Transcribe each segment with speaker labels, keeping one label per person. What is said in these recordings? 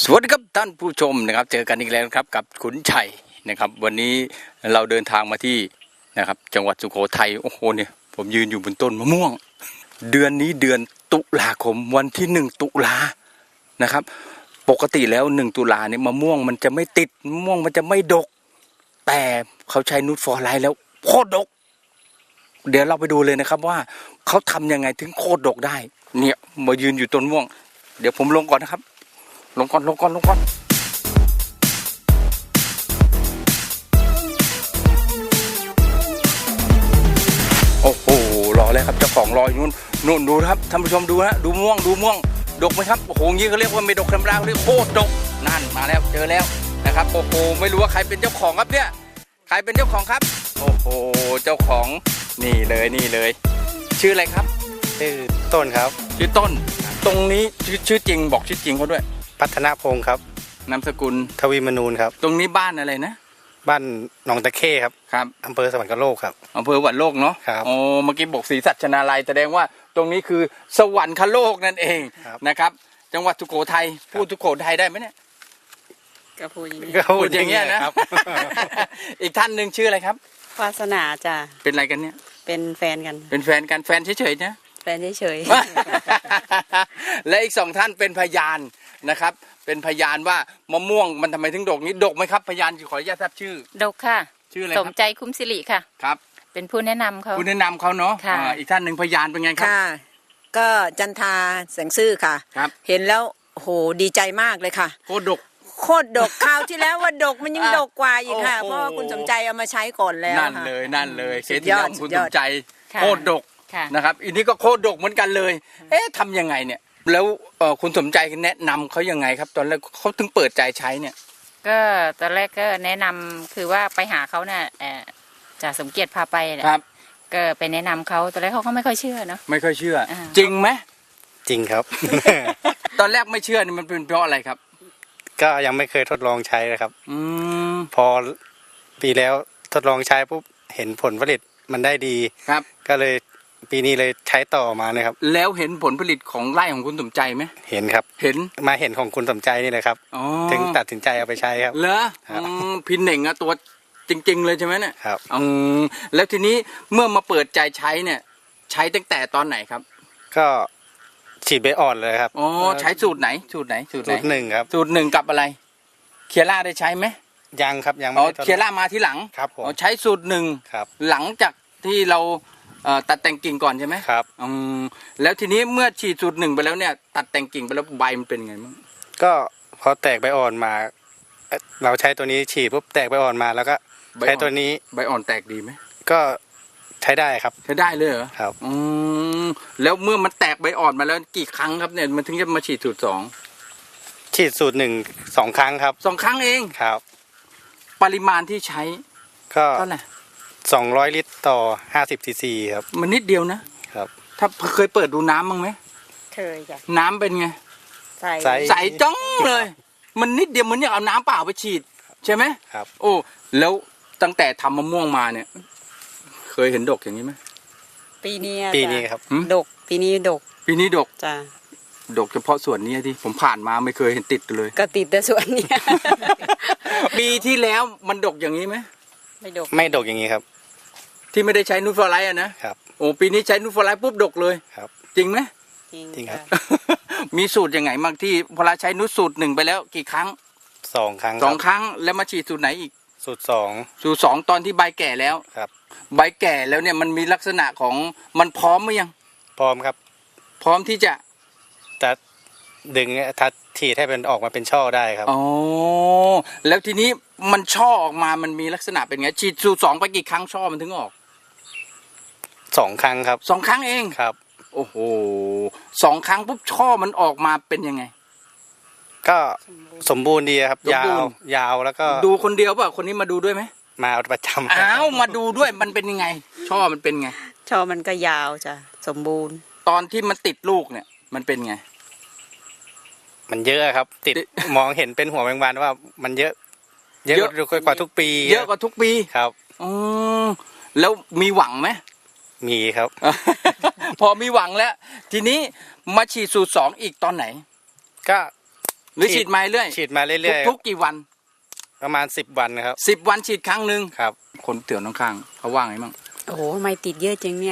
Speaker 1: สวัสดีครับท่านผู้ชมนะครับเจอกันอีกแล้วครับกับขุนชัยนะครับวันนี้เราเดินทางมาที่นะครับจังหวัดสุโขทัยโอ้โหเนี่ยผมยืนอยู่บนต้นมะม่วงเดือนนี้เดือนตุลาคมวันที่1 ตุลานะครับปกติแล้ว1 ตุลาเนี่ยมะม่วงมันจะไม่ติดมะม่วงมันจะไม่ดกแต่เขาใช้นูตฟอร์ไลท์แล้วโคตรดกเดี๋ยวเราไปดูเลยนะครับว่าเขาทำยังไงถึงโคตรดกได้เนี่ยมายืนอยู่ต้นม่วงเดี๋ยวผมลงก่อนนะครับลงก่อนโอ้โหรอเลยครับเจ้าของรออยู่นู่นดูครับท่านผู้ชมดูนะดูม่วงดกไหมครับโอ้โหงี้เขาเรียกว่าไม่ดกธรรมดาเรียกโคตรดกนั่นมาแล้วเจอแล้วนะครับโอ้โหไม่รู้ว่าใครเป็นเจ้าของครับเนี่ยใครเป็นเจ้าของครับโอ้โหเจ้าของนี่เลยชื่ออะไรครับ
Speaker 2: ชื่อต้นครับ
Speaker 1: ชื่อต้นตรงนี้ชื่อจริงบอกชื่อจริงเขาด้วย
Speaker 2: พัฒนาพงศ์ครับ
Speaker 1: นามสกุล
Speaker 2: ทวีมนูนครับ
Speaker 1: ตรงนี้บ้านอะไรนะ
Speaker 2: บ้านหนองตะเข้ครับ
Speaker 1: ครับ
Speaker 2: อำเภอสวรรคโลกครับ
Speaker 1: อำเภอสวรรคโลกเนาะ
Speaker 2: ครับ
Speaker 1: โอ้เมื่อกี้บอกศรีสัชนาลัยแสดงว่าตรงนี้คือสวรรคโลกนั่นเองนะครับจังหวัดสุโขทัยพูดสุโขทัยได้ไหมเนี่ย
Speaker 3: ก็พูดอย่างนี้
Speaker 1: พูดอย่างเงี้ยนะอีกท่านหนึ่งชื่ออะไรครับ
Speaker 3: วาสนาจ้ะ
Speaker 1: เป็นอะไรกันเนี่ย
Speaker 3: เป็นแฟนกัน
Speaker 1: แฟนเฉยๆนะ
Speaker 3: แฟนเฉย
Speaker 1: ๆและอีก2ท่านเป็นพยานนะครับเป็นพยานว่ามะม่วงมันทำไมถึงดกนี้ดกไหมครับพยานขออนุญาตทราบชื่อ
Speaker 3: ดกค่ะ
Speaker 1: ชื่ออะไร
Speaker 3: สมใจคุ้มสิริค่ะ
Speaker 1: ครับ
Speaker 3: เป็นผู้แนะนำเขา
Speaker 1: เนาะอีกท่านหนึ่งพยานเป็นไงครับ
Speaker 4: ค่ะก็จันทาแสงซื่อค่ะ
Speaker 1: ครับ
Speaker 4: เห็นแล้วโหดีใจมากเลยค่ะ
Speaker 1: โคตร
Speaker 4: ดกคราวที่แล้วว่าดกมันยังดกกว่าอีกค่ะเพราะว่าคุณสมใจเอามาใช้ก่อนแล้ว
Speaker 1: นั่นเลยเคสที่แล้วคุณสมใจโคตรดกนะครับอันนี้ก็โคตรดกเหมือนกันเลยทำยังไงเนี่ยแล้วคุณสมใจแนะนำเขายังไงครับตอนแรกเขาถึงเปิดใจใช้เนี่ย
Speaker 3: ก็ตอนแรกก็แนะนำคือว่าไปหาเขาเนี่ยจ่าสมเกียรติพาไป
Speaker 1: ครับ
Speaker 3: ก็ไปแนะนำเขาตอนแรกเขาก็ไม่ค่อยเชื่อเนาะ
Speaker 1: ไม่ค่อยเชื่อจริงไหม
Speaker 2: จริงครับ
Speaker 1: ตอนแรกไม่เชื่อนี่มันเป็นเพราะอะไรครับ
Speaker 2: ก็ยังไม่เคยทดลองใช้เลยครับพอปีแล้วทดลองใช้ปุ๊บเห็นผลผลิตมันได้ดี
Speaker 1: ครับ
Speaker 2: ก็เลยปีนี้เลยใช้ต่อมาเลยครับ
Speaker 1: แล้วเห็นผลผลิตของไร่ของคุณสมใจไหม
Speaker 2: เห็นครับ
Speaker 1: เห็น
Speaker 2: มาเห็นของคุณสมใจนี่เลยครับถึงตัดสินใจเอาไปใช้ครับ
Speaker 1: เหรอพินเหน่งอะตัวจริงๆเลยใช่ไหมเนี่ย
Speaker 2: ครับ
Speaker 1: แล้วทีนี้เมื่อมาเปิดใจใช้เนี่ยใช้ตั้งแต่ตอนไหนครับ
Speaker 2: ก็ฉีดใบอ่อนเลยครับ
Speaker 1: ใช้สูตรไหนสูตร
Speaker 2: หนึ่งครับ
Speaker 1: สูตรหนึ่งกับอะไรเคียร่าได้ใช้ไหม
Speaker 2: ยังครับยังไม่
Speaker 1: เคียร่ามาที่หลัง
Speaker 2: ครับผม
Speaker 1: ใช้สูตรหนึ่งหลังจากที่เราตัดแต่งกิ่งก่อนใช่ไหม
Speaker 2: ครับ
Speaker 1: แล้วทีนี้เมื่อฉีดสูตรหนึ่งไปแล้วเนี่ยตัดแต่งกิ่งไปแล้วใบมันเป็นไงบ้าง
Speaker 2: ก็พอแตกใบอ่อนมาเราใช้ตัวนี้ฉีดปุ๊บแตกใบอ่อนมาแล้วก็ใช้ตัวนี้
Speaker 1: ใบอ่อนแตกดีไหม
Speaker 2: ก็ใช้ได้ครับ
Speaker 1: ใช้ได้เลยเหรอ
Speaker 2: ครับ
Speaker 1: แล้วเมื่อมันแตกใบอ่อนมาแล้วกี่ครั้งครับเนี่ยมันถึงจะมาฉีดสูตร2
Speaker 2: ฉีดสูตร1 2 ครั้งครับ
Speaker 1: 2 ครั้งเอง
Speaker 2: ครับ
Speaker 1: ปริมาณที่ใช้
Speaker 2: ก็
Speaker 1: เท่าไหร่
Speaker 2: 200 ลิตรต่อ50 ซีซีครับ
Speaker 1: มันนิดเดียวนะครับถ้าเคยเปิดดูน้ำบ้างไหม
Speaker 3: เคยจ้ะ
Speaker 1: น้ำเป็นไงใสจ้องเลยมันนิดเดียวเหมือนอยากเอาน้ำเปล่าไปฉีดใช่ไหม
Speaker 2: ครับ
Speaker 1: โอ้แล้วตั้งแต่ทำมะม่วงมาเนี่ยเคยเห็นดกอย่างนี้ไหม
Speaker 3: ปีนี้
Speaker 2: ครับ
Speaker 3: ดกปีนี้ดกจ้ะ
Speaker 1: ดกเฉพาะส่วนนี้ที่ผมผ่านมาไม่เคยเห็นติดเลย
Speaker 3: ก็ติดแต่ส่วนนี้
Speaker 1: ปีที่แล้วมันดกอย่างนี้ไหม
Speaker 2: ไม่ดกอย่างนี้ครับ
Speaker 1: ที่ไม่ได้ใช้นูตฟอร์ไลท์นะครับโอ้ปีนี้ใช้นูตฟอร์ไลท์ปุ๊บดกเลย
Speaker 2: ครับ
Speaker 1: จริงไหม
Speaker 2: จริงครับ
Speaker 1: มีสูตรยังไงบ้างที่พอเราใช้นูตสูตร1ไปแล้วกี่ครั้ง
Speaker 2: 2 ครั้ง
Speaker 1: 2 ครั้งแล้วมาฉีดสูตรไหนอีก
Speaker 2: สูตร
Speaker 1: 2ตอนที่ใบแก่แล้ว
Speaker 2: ครับ
Speaker 1: ใบแก่แล้วเนี่ยมันมีลักษณะของมันพร้อมหรือยัง
Speaker 2: พร้อมครับ
Speaker 1: พร้อมที่จะ
Speaker 2: ดึงทัดฉีดให้เป็นออกมาเป็นช่อได้ครับ
Speaker 1: อ๋อแล้วทีนี้มันช่อออกมามันมีลักษณะเป็นไงฉีดสูตร2ไปกี่ครั้งช่อมันถึงออก
Speaker 2: 2 ครั้งครับ
Speaker 1: 2 ครั้งเอง
Speaker 2: ครับ
Speaker 1: โอ้โห2 ครั้งปุ๊บช่อมันออกมาเป็นยังไง
Speaker 2: ก็สมบูรณ์ดีครับยาวแล้วก็
Speaker 1: ดูคนเดียวป่ะคนนี้มาดูด้วยไหม
Speaker 2: มาประจำ
Speaker 1: มาดูด้วยมันเป็นยังไงช่อมันเป็นไง
Speaker 3: ช่อมันก็ยาวจ้ะสมบูรณ์
Speaker 1: ตอนที่มันติดลูกเนี่ยมันเป็นไง
Speaker 2: มันเยอะครับติดมองเห็นเป็นหัวแมงวันว่ามันเยอะกว่าทุกปี
Speaker 1: เยอะกว่าทุกปี
Speaker 2: ครับ
Speaker 1: แล้วมีหวังไหม
Speaker 2: มีครับ
Speaker 1: พอมีหวังแล้วทีนี้มาฉีดสูตร2อีกตอนไหน
Speaker 2: ก็
Speaker 1: หรือฉีดมาเรื่อย
Speaker 2: ฉีดมาเรื่อยๆ
Speaker 1: ทุกๆกี่วัน
Speaker 2: ประมาณ10 วันนะครับ
Speaker 1: 10 วันฉีดครั้งหนึ่ง
Speaker 2: ครับ
Speaker 1: คนเตือนข้างๆเขาว่าไงมั่ง
Speaker 4: โอ้โหไม่ติดเยอะจริงเนี่ย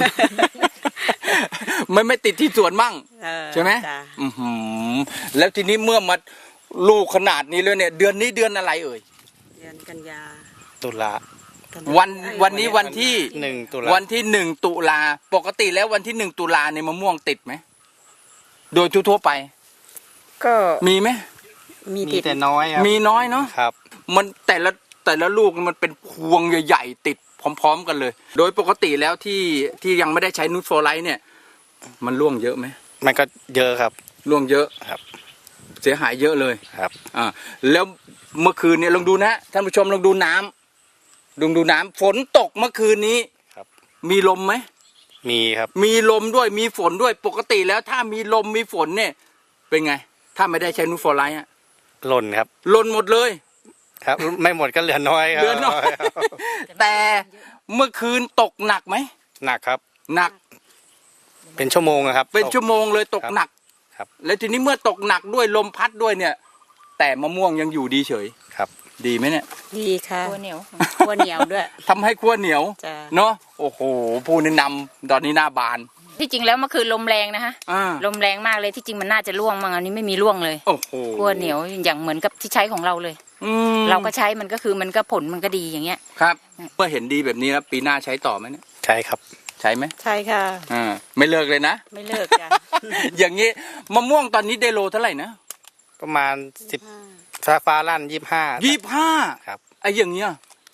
Speaker 1: ไม่ติดที่สวนมั่ง ใช่ไหม
Speaker 4: จ้ะ
Speaker 1: อื้อหือแล้วทีนี้เมื่อมาลูกขนาดนี้เลยเนี่ย เดือนนี้เดือนอะไรเอ่ย
Speaker 4: เดือนกันยา
Speaker 2: ตุลา
Speaker 1: วันนี้วันที่
Speaker 2: 1 ตุลา
Speaker 1: วันที่1 ตุลาปกติแล้ววันที่1 ตุลาเนี่ยมะม่วงติดไหมโดยทั่วๆไป
Speaker 4: ก็
Speaker 1: มีไหม
Speaker 4: มี
Speaker 2: มี
Speaker 4: ติด
Speaker 2: แต่น้อยครับ
Speaker 1: มีน้อยเนาะ
Speaker 2: ครับ
Speaker 1: มันแต่ละลูกมันเป็นพวงใหญ่ๆติดพร้อมๆกันเลย โดยปกติแล้วที่ยังไม่ได้ใช้นูตโฟไลท์เนี่ย มันร่วงเยอะไหม
Speaker 2: มันก็เยอะครับ
Speaker 1: ร่วงเยอะ
Speaker 2: ครับ
Speaker 1: เสียหายเยอะเลย
Speaker 2: ครับ
Speaker 1: แล้วเมื่อคืนเนี่ยลองดูนะท่านผู้ชมลองดูน้ำฝนตกเมื่อคืนนี้
Speaker 2: ครับ
Speaker 1: มีลมไหม
Speaker 2: มีครับ
Speaker 1: มีลมด้วยมีฝนด้วยปกติแล้วถ้ามีลมมีฝนเนี่ย เป็นไง ถ้าไม่ได้ใช้นูตโฟไลท์อะ
Speaker 2: หล่นครับ
Speaker 1: หล่นหมดเลย
Speaker 2: ครับ ไม่หมดก็เหลือน้อยครับ
Speaker 1: เหลือน้อย แต่เมื่อคืนตกหนักไหม
Speaker 2: หนักครับ
Speaker 1: หนัก
Speaker 2: เป็นชั่วโมงอะครับ
Speaker 1: เป็น
Speaker 2: ตก
Speaker 1: ชั่วโมงเลยตกหนัก
Speaker 2: ครับ
Speaker 1: แล้วทีนี้เมื่อตกหนักด้วยลมพัดด้วยเนี่ย แต่มะม่วงยังอยู่ดีเฉย
Speaker 2: ครับ
Speaker 1: ดีไหมเนี่ย
Speaker 4: ดีค่ะ
Speaker 3: ตัวเหนียว
Speaker 4: ขั้วเหนียวด้วย
Speaker 1: ทำให้ขั้วเหนียว
Speaker 4: จ้ะ
Speaker 1: เนาะโอ้โหผู้แนะนำตอนนี้หน้าบาน
Speaker 3: ที่จริงแล้วเมื่อคืนลมแรงนะคะ
Speaker 1: อ่า
Speaker 3: ลมแรงมากเลยที่จริงมันน่าจะร่วงมั้งอันนี้ไม่มีร่วงเลย
Speaker 1: โอ้โห
Speaker 3: ขั้วเหนียวอย่างเหมือนกับที่ใช้ของเราเลย
Speaker 1: อืม
Speaker 3: เราก็ใช้มันก็คือมันก็ผลมันก็ดีอย่างเงี้ย
Speaker 1: ครับเมื่อเห็นดีแบบนี้แล้วปีหน้าใช้ต่อไหมเนี่ย
Speaker 2: ใช่ครับ
Speaker 1: ใช้ไหม
Speaker 4: ใช่ค่ะ
Speaker 1: ไม่เลิกเลยนะ
Speaker 3: ไม่เลิกจ้ะ
Speaker 1: อย่างนี้มะม่วงตอนนี้ได้โลเท่าไหร่นะ
Speaker 2: ประมาณ10ฟ้าลั่น25
Speaker 1: 25
Speaker 2: ครับ
Speaker 1: ไอ้อย่างเงี้ย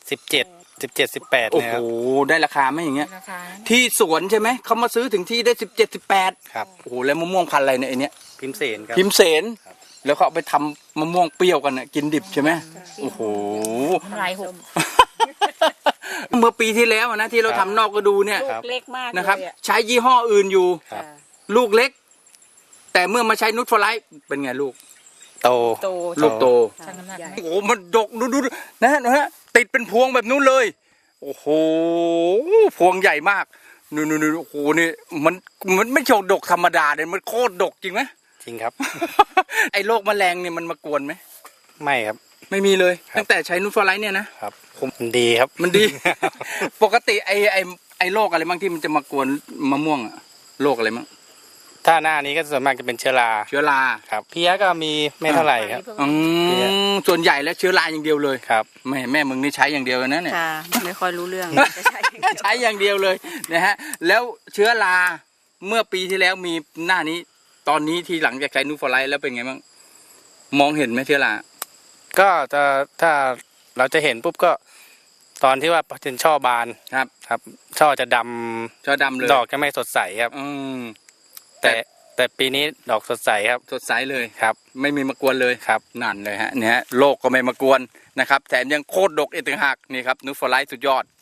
Speaker 2: 17 18
Speaker 1: โอ้
Speaker 2: นะ
Speaker 1: โห
Speaker 2: ครับ
Speaker 1: ได้ราคาไหมอย่างเงี้ย
Speaker 3: ราคา
Speaker 1: ที่สวนใช่ไหมเขามาซื้อถึงที่ได้17 18
Speaker 2: ครับ
Speaker 1: โอ้โหแล้วมะม่วงพันธุ์อะไรเนี่ยไอเนี้ย
Speaker 2: พิมพ์เสนครับ
Speaker 1: พิมเสนแล้วเขาเอาไปทำมะม่วงเปรี้ยวกันน่ะกินดิบใช่ไหมโอ้โห
Speaker 3: น้ำลายหก
Speaker 1: เมื่อปีที่แล้วอะนะที่เราทำนอกก็ดูเนี่ย
Speaker 4: ลูกเล็กมาก
Speaker 1: นะครับ
Speaker 4: เลยอ
Speaker 1: ใช้ยี่ห้ออื่นอยู่
Speaker 2: ครับ
Speaker 1: ลูกเล็ก แต่เมื่อมาใช้นูตโฟไลท์เป็นไงลูก
Speaker 2: โต
Speaker 4: โต
Speaker 1: ลูกโต
Speaker 3: ช่างน้ำหนักไหม
Speaker 1: โอ้โหมันดกดูนะติดเป็นพวงแบบนู้นเลย โอ้โหพวงใหญ่มากนู่นโอ้โหนี่มันไม่ใช่ดกธรรมดาเลยมันโคตรดกจริงไหม
Speaker 2: จริงครับ
Speaker 1: ไอ้โรคแมลงเนี่ยมันมากวนไหม
Speaker 2: ไม่ครับ
Speaker 1: ไม่มีเลย
Speaker 2: ครับ
Speaker 1: ตั้งแต่ใช้นูตโฟไลท์เนี่ยนะครับ
Speaker 2: มันดีครับ
Speaker 1: มันดี ปกติไอ้โรคอะไรบ้างที่มันจะมากวนมะม่วงอะโรคอะไรบ้าง
Speaker 2: ถ้าหน้านี้ก็ส่วนมากจะเป็นเชื้อรา
Speaker 1: เชื้อรา
Speaker 2: ครับเพี้ยก็มีไม่เท่าไหร่ครับ
Speaker 1: อืมส่วนใหญ่แล้วเชื้อราอย่างเดียวเลย
Speaker 2: ครับ
Speaker 1: แม่มึงนี่ใช้อย่างเดียวนะเนี่ย
Speaker 4: ค่ะ ไม่ค่อยรู้เรื่องจะใช้
Speaker 1: ใช้อย่างเดียวเลยนะฮะแล้วเชื้อราเมื่อปีที่แล้วมีหน้านี้ ตอนนี้ที่หลังจากใช้นูตโฟไลท์แล้วเป็นไงบ้างมองเห็นไหมเชื้อรา
Speaker 2: ก็จะถ้าเราจะเห็นปุ๊บก็ตอนที่ว่าเป็นช่อบาน
Speaker 1: ครับ
Speaker 2: ครับ ช่อจะดำ
Speaker 1: เชื้อดำเลย
Speaker 2: ดอกจะไม่สดใสครับ
Speaker 1: อืม
Speaker 2: แต่ปีนี้ดอกสดใสครับ
Speaker 1: สดใสเลย
Speaker 2: ครับ
Speaker 1: ไม่มีมากวนเลย
Speaker 2: ครับ
Speaker 1: นั่นเลยฮะเนี่ยฮะโรคก็ไม่มากวนนะครับแถมยังโคตรดกอีกต่างหากนี่ครับนูตโฟไลท์สุดยอด